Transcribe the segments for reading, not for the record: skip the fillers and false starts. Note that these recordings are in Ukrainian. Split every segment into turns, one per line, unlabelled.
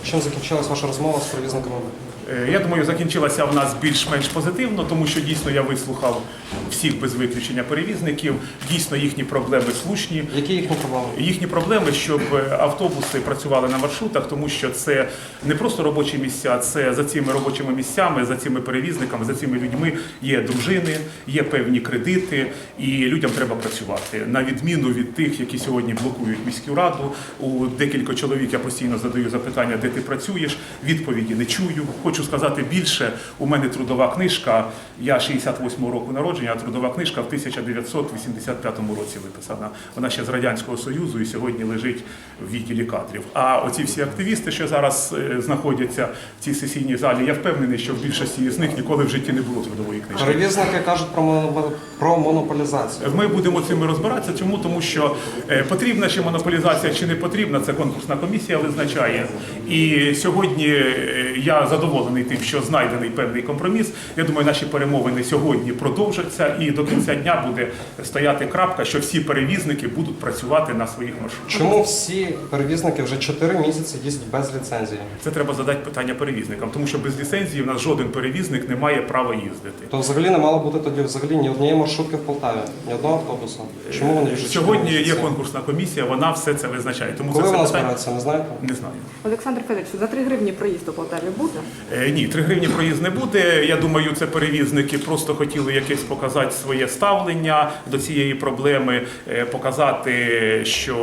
Чим закінчилась ваша розмова з перевізниками?
Я думаю, закінчилася в нас більш-менш позитивно, тому що дійсно я вислухав всіх без виключення перевізників. Дійсно, їхні проблеми слушні.
Які їхні проблеми?
Їхні проблеми, щоб автобуси працювали на маршрутах, тому що це не просто робочі місця, це за цими робочими місцями, за цими перевізниками, за цими людьми є дружини, є певні кредити, і людям треба працювати. На відміну від тих, які сьогодні блокують міську раду, у декілька чоловік я постійно задаю запитання, де ти працюєш, відповіді не чую. Хочу сказати більше, у мене трудова книжка, я 68-го року народження, а трудова книжка в 1985 році виписана. Вона ще з Радянського Союзу і сьогодні лежить в відділі кадрів. А оці всі активісти, що зараз знаходяться в цій сесійній залі, я впевнений, що в більшості з них ніколи в житті не було трудової книжки.
Перевізники кажуть про монополізацію.
Ми будемо цим розбиратися. Чому? Тому що потрібна чи монополізація, чи не потрібна, це конкурсна комісія визначає. І сьогодні я задоволений тим, що знайдений певний компроміс. Я думаю, наші перемовини сьогодні продовжаться і до кінця дня буде стояти крапка, що всі перевізники будуть працювати на своїх маршрутах.
Чому всі перевізники вже 4 місяці їздять без ліцензії?
Це треба задати питання перевізникам, тому що без ліцензії в нас жоден перевізник не має права їздити.
То взагалі не мало бути тоді взагалі ні однієї маршрутки в Полтаві, ні одного автобуса. Чому вони вже 4
Сьогодні
місяці?
є конкурсна комісія, вона все це визначає. Тому
Коли
це
вона
питання...
збирається, не знаєте?
Не знаю.
Олександр Федорович, за 3 гривні проїзд у Полтаві буде?
Ні, 3 гривні проїзд не буде. Я думаю, це перевізники просто хотіли якесь показати своє ставлення до цієї проблеми, показати, що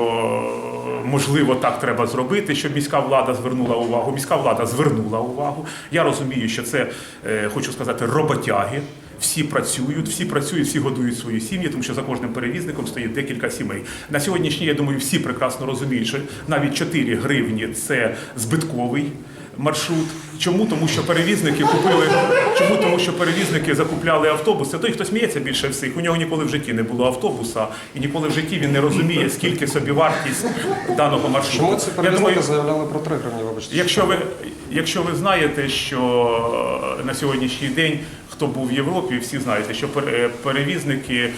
можливо так треба зробити, щоб міська влада звернула увагу. Міська влада звернула увагу. Я розумію, що це, хочу сказати, роботяги. Всі працюють, всі годують свої сім'ї, тому що за кожним перевізником стоїть декілька сімей. На сьогоднішній, я думаю, всі прекрасно розуміють, що навіть 4 гривні – це збитковий маршрут. Чому? Тому що перевізники купили. Чому? Тому що перевізники закупляли автобуси. Той, хто сміється більше всіх, у нього ніколи в житті не було автобуса, і ніколи в житті він не розуміє, скільки собівартість даного маршруту.
Чому ці перевізники заявляли про 3 гривні, вибачте?
Якщо ви знаєте, що на сьогоднішній день, хто був в Європі, всі знаєте, що перевізники,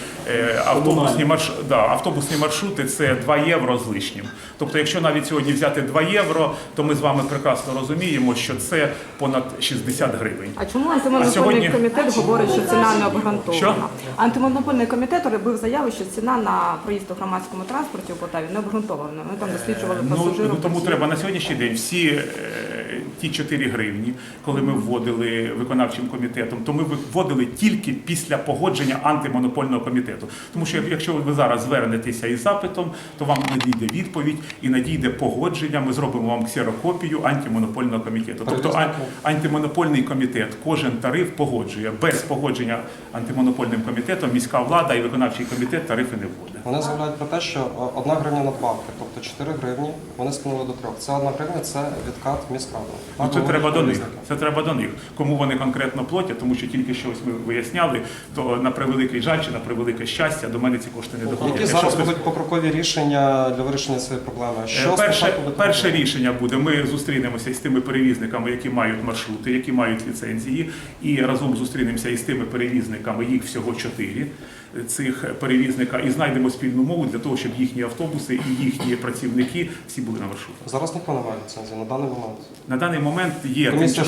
автобусні маршрути – це 2 євро з лишнім. Тобто, якщо навіть сьогодні взяти 2 євро, то ми з вами прекрасно розуміємо, що це понад 60 гривень.
А чому антимонопольний комітет говорить, що ціна не обґрунтована?
Що?
Антимонопольний комітет робив заяву, що ціна на проїзд у громадському транспорті у Полтаві не обґрунтована. Ми там досліджували пасажирів.
Тому треба на сьогоднішній день всі ті 4 гривні, коли ми вводили виконавчим комітетом, то ми вводили тільки після погодження антимонопольного комітету. Тому що якщо ви зараз звернетеся із запитом, то вам надійде відповідь і надійде погодження, ми зробимо вам ксерокопію антимонопольного комітету. Тобто антимонопольний комітет кожен тариф погоджує. Без погодження антимонопольним комітетом міська влада і виконавчий комітет тарифи не вводить.
Вони заявляють про те, що 1 гривня надбавки, тобто 4 гривні, вони скинули до 3. Це 1 гривня – це відкат в міськраду.
Це треба до них. Це треба до них. Кому вони конкретно платять, тому що тільки щось ми виясняли, то на превеликий жаль чи на превелике щастя до мене ці кошти не доходять.
Які зараз будуть покрокові рішення для вирішення цієї проблеми?
Перше рішення буде, ми зустрінемося із тими перевізниками, які мають маршрути, які мають ліцензії, і разом зустрінемося із тими перевізниками, їх всього 4, цих перевізника, і знайдемо спільну мову для того, щоб їхні автобуси і їхні працівники всі були на маршрутах.
Зараз ніхто не має ліцензії на даний момент.
На даний момент є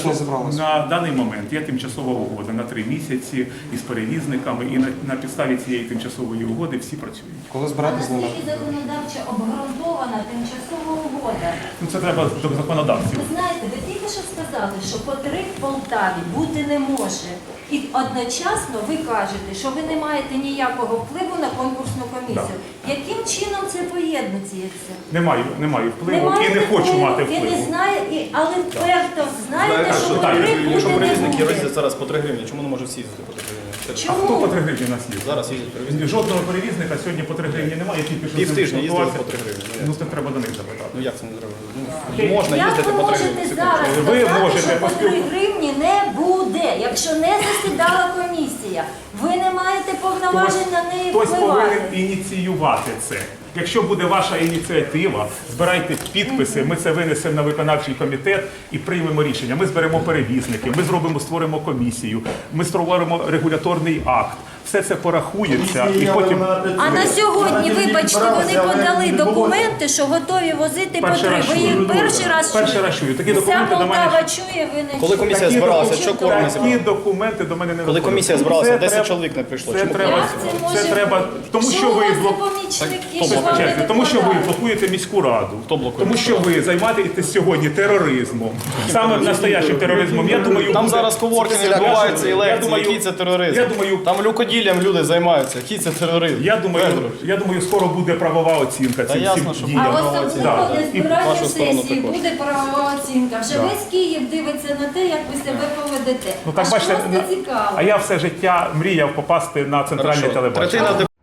тимчасова угода на 3 місяці із перевізниками, і на підставі цієї тимчасової угоди всі працюють.
Коли збиратись з ними?
Наскільки законодавчо обґрунтована тимчасова угода?
Це треба до законодавців.
Ви знаєте, ви тільки що сказали, що по 3 в Полтаві бути не може. І одночасно ви кажете, що ви не маєте ніякого впливу на конкурсну комісію. Яким чином це поєднується?
Не маю впливу і не хочу мати
І
впливу.
не знає, але вперто знаєте, що по 3
Якщо
бути не
перевізники
буде.
їздять зараз по 3 гривні, чому не може всі їздити по 3 гривні?
А хто по 3 гривні нас їздить?
Зараз їздять перевізники.
Жодного перевізника сьогодні по 3 гривні немає, я тільки що
Півтижня їздили
спілкувався.
по 3 гривні.
Ну це треба до них запитати.
Ну як це не треба? Можна
Як
їздити
ви
по 3
можете
гривні.
зараз
Ви
сказати,
можете
що по 3 гривні не буде, якщо не засідала комісія? Ви не маєте повноважень на неї
Хтось
впливати.
повинен ініціювати це. Якщо буде ваша ініціатива, збирайте підписи, ми це винесемо на виконавчий комітет і приймемо рішення. Ми зберемо перевізники, ми створимо комісію, ми створимо регуляторний акт. все це порахується і потім.
А на сьогодні, вибачте, вони подали документи, що готові возити по 3. Ви їх перший раз
Перший раз чую. Такі
Вся
документи до мене.
Полтава чує, ви не
Коли комісія
Такі
збиралася,
документи-
що кворум не
Такі
зібрав?
документи до мене не
Коли
доходять.
комісія
Це
збиралася,
треба-
10 чоловік не прийшло.
Це
Чому?
треба,
Як це може
це треба, тому що ви блокуєте, тому що ви блокуєте міську раду,
Хто блокує?
тому що ви займаєтесь сьогодні тероризмом, саме настоящим тероризмом. Я думаю,
Там
буде-
зараз коворкінги
Я
відбуваються і
думаю,
лекції, який це тероризм.
я думаю-
Там люкоділлям люди займаються, який це тероризм.
Я думаю, скоро буде правова оцінка цим
ясно,
всім
що
діям.
А
Да,
особливо
да.
для
І
збирання
вашу сторону
сесії
також.
буде правова оцінка. Вже
Да.
весь Київ дивиться на те, як ви себе поведете.
Ну так
Аж
бачите,
просто цікаво.
а я все життя мріяв попасти на центральне
Хорошо.
телебачення.
Третина